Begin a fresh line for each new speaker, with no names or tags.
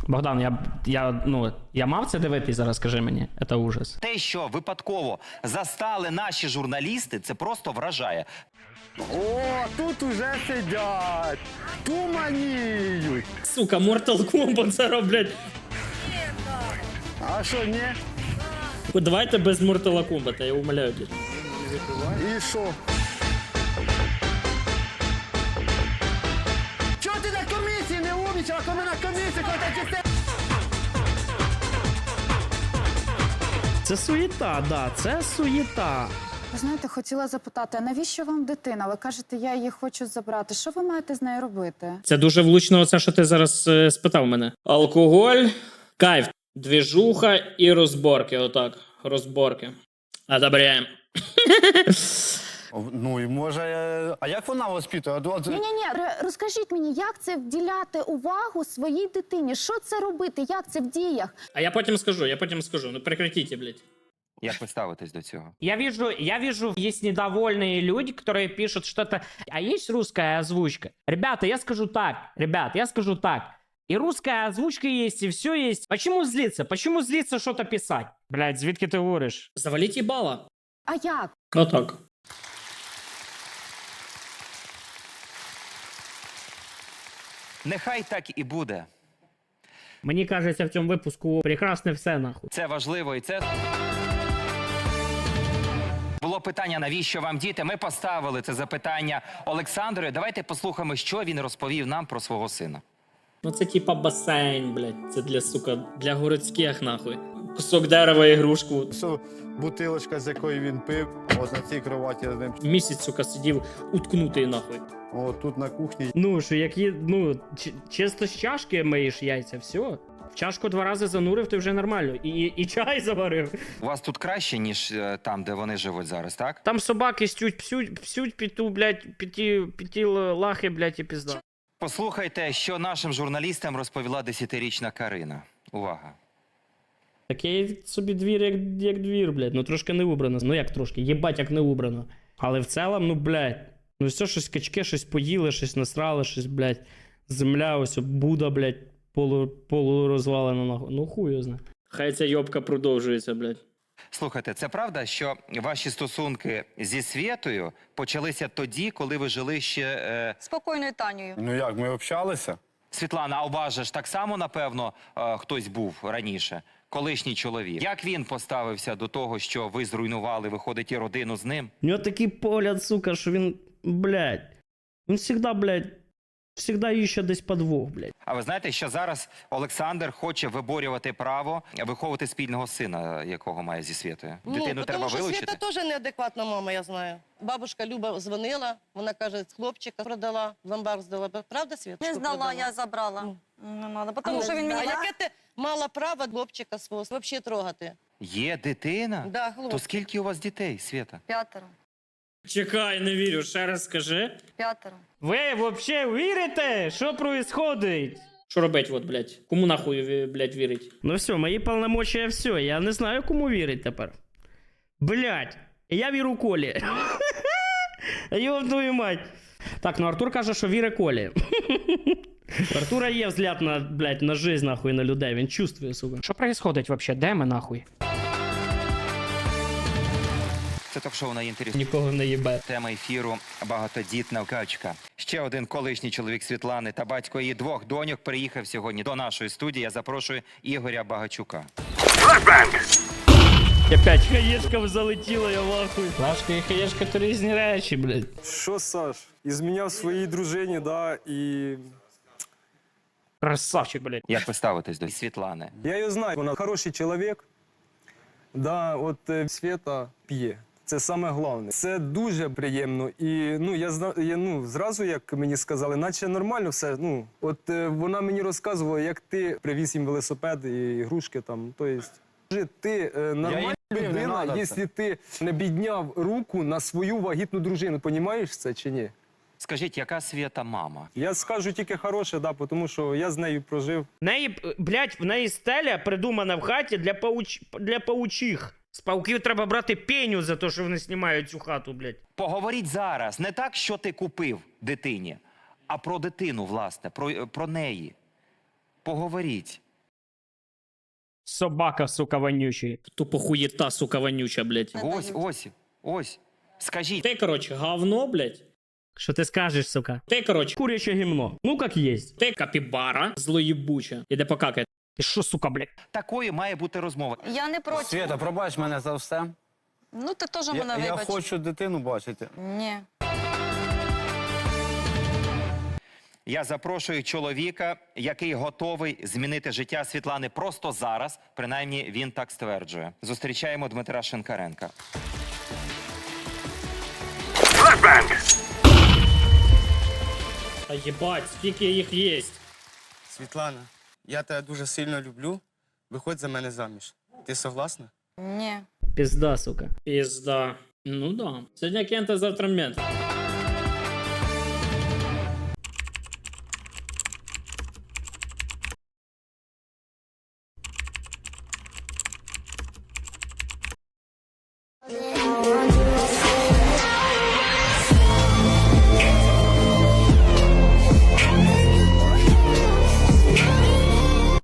Богдан, я мав це дивитись зараз, скажи мені. Це ужас.
Те, що випадково застали наші журналісти, це просто вражає.
О, тут уже сидять, туманіють.
Сука, Mortal Kombat зараз, блядь.
А що, ні?
Давайте без Mortal Kombat, я умоляю, блядь.
І що? Чого ти на комісії не умнічала, коли на комісії, коли ти чисте?
Це суєта, да, це суєта.
Ви знаєте, хотіла запитати, а навіщо вам дитина? Ви кажете, я її хочу забрати. Що ви маєте з нею робити?
Це дуже влучно, оце, що ти зараз спитав мене. Алкоголь, кайф, двіжуха і розборки, отак, розборки. Одобряємо.
Ну, і може, а як вона воспитує?
Ні-ні-ні, розкажіть мені, як це вділяти увагу своїй дитині? Що це робити? Як це в діях?
А я потім скажу, ну прекратите, блядь.
Як ви ставитесь до цього?
Я вижу, есть недовольные люди, которые пишут что-то. А есть русская озвучка? Ребята, я скажу так. И русская озвучка есть, и все есть. Почему злиться? Почему злиться что-то писать? Блядь, звідки ти говориш? Заваліть їбала.
А як?
Отак.
Нехай так і буде.
Мені кажеться, в цьому випуску прекрасне все, нахуй.
Це важливо і це... Було питання, навіщо вам діти? Ми поставили це запитання Олександру. Давайте послухаємо, що він розповів нам про свого сина.
Ну це типа басейн, блядь. Це для, сука, для городських, нахуй. Кусок дерева, ігрушку.
Що бутилочка, з якої він пив, ось на цій кроваті з ним.
Місяць, сука, сидів уткнутий, нахуй.
О, тут на кухні.
Ну, що які, ну, чисто з чашки миєш яйця, все. В чашку 2 рази занурив, ти вже нормально. І чай заварив.
У вас тут краще, ніж там, де вони живуть зараз, так?
Там собаки псють піту, блядь, піті лахи, блядь, і пізда.
Послухайте, що нашим журналістам розповіла 10-річна Карина. Увага.
Такий собі двір, як двір, блядь. Ну, трошки не убрано. Ну, як трошки, єбать, як не убрано. Але в цілому, ну, блядь. Ну, все, щось качки, щось поїли, щось насрали, щось, блядь. Земля, ось, Буда, блядь, полурозвалена, нахуй. Ну, хуй його знає. Хай ця йобка продовжується, блядь.
Слухайте, це правда, що ваші стосунки зі Свєтою почалися тоді, коли ви жили ще...
Спокійною Танею.
Ну як, ми общалися?
Світлана, а у вас же ж так само, напевно, хтось був раніше, колишній чоловік. Як він поставився до того, що ви зруйнували, виходить, і родину з ним?
У нього такий погляд, сука, що він, блядь, він завжди, блядь, завжди іще десь подвох, блядь.
А ви знаєте, що зараз Олександр хоче виборювати право виховувати спільного сина, якого має зі Свєтою? Дитину треба
тому що
вилучити?
Світа теж неадекватна мама, я знаю. Бабушка Люба дзвонила, вона каже, хлопчика продала, в ломбард здала. Правда, Світ?
Не здала, я забрала. Не надо, тому що він мені...
А яке ти мала право хлопчика свого взагалі трогати?
Є дитина?
Да,
То
хлопчик.
скільки у вас дітей, Свєта?
5.
Чекай, не вірю, ще раз скажи.
5.
Ви взагалі вірите? Що происходить? Що робить, от, блядь? Кому нахуй, блядь, вірить? Ну все, мої повномочия все. Я не знаю, кому вірить тепер. Блядь, я вірю Колі. Йоб твою мать. Так, ну Артур каже, що вірить Колі. У Артура є взгляд на, блядь, на жизнь, нахуй, на людей. Він чувствує, сука. Що происходить вообще? Де ми, нахуй?
Це ток-шоу на інтересі.
Нікого не їбе.
Тема ефіру «Багатодітна качка». Ще один колишній чоловік Світлани та батько її 2 доньок приїхав сьогодні до нашої студії. Я запрошую Ігоря Багачука.
Опять хаєшка залетіла, я в ахуї. Флешка і хаєшка – то різні речі, блядь.
Що, Саш, ізміняв своїй дружині, да, і
Красавчик, блядь.
Як ви ставитесь до Світлани?
я її знаю, вона хороший чоловік, да, от Свєта п'є. Це саме головне. Це дуже приємно. І ну, я зразу, як мені сказали, наче нормально все. Ну, от вона мені розказувала, як ти привіз їм велосипед і ігрушки там. Тобто, ти нормальна людина, якщо ти не підняв руку на свою вагітну дружину. Понімаєш це чи ні?
Скажіть, яка Свєта мама?
Я скажу тільки хороше, да, тому що я з нею прожив.
В неї, блядь, в неї стеля придумана в хаті для паучих. З пауків треба брати пеню за те, що вони знімають цю хату, блядь.
Поговоріть зараз. Не так, що ти купив дитині, а про дитину, власне, про неї. Поговоріть.
Собака, сука, вонючий. Тупо хуєта, сука, вонюча, блядь.
Ось. Скажіть,
Ти, короче, говно, блядь. Що ти скажеш, сука? Ти, короче, куряче гімно. Ну, як єсть. Ти капібара, злоєбуча. Іде покакай. Ти що, сука, блядь?
такою має бути розмова.
Я не проти.
Свята, пробач мене за все.
Ну, ти теж мене
Я
вибач.
хочу дитину бачити.
Ні.
Я запрошую чоловіка, який готовий змінити життя Світлани просто зараз. Принаймні, він так стверджує. Зустрічаємо Дмитра Шинкаренка.
Та єбать, скільки їх єсть.
Світлана, я тебе дуже сильно люблю. Виходь за мене заміж. Ти согласна?
Ні.
Пізда, сука. Пізда. Ну да. Сьогодні кента, завтра мент.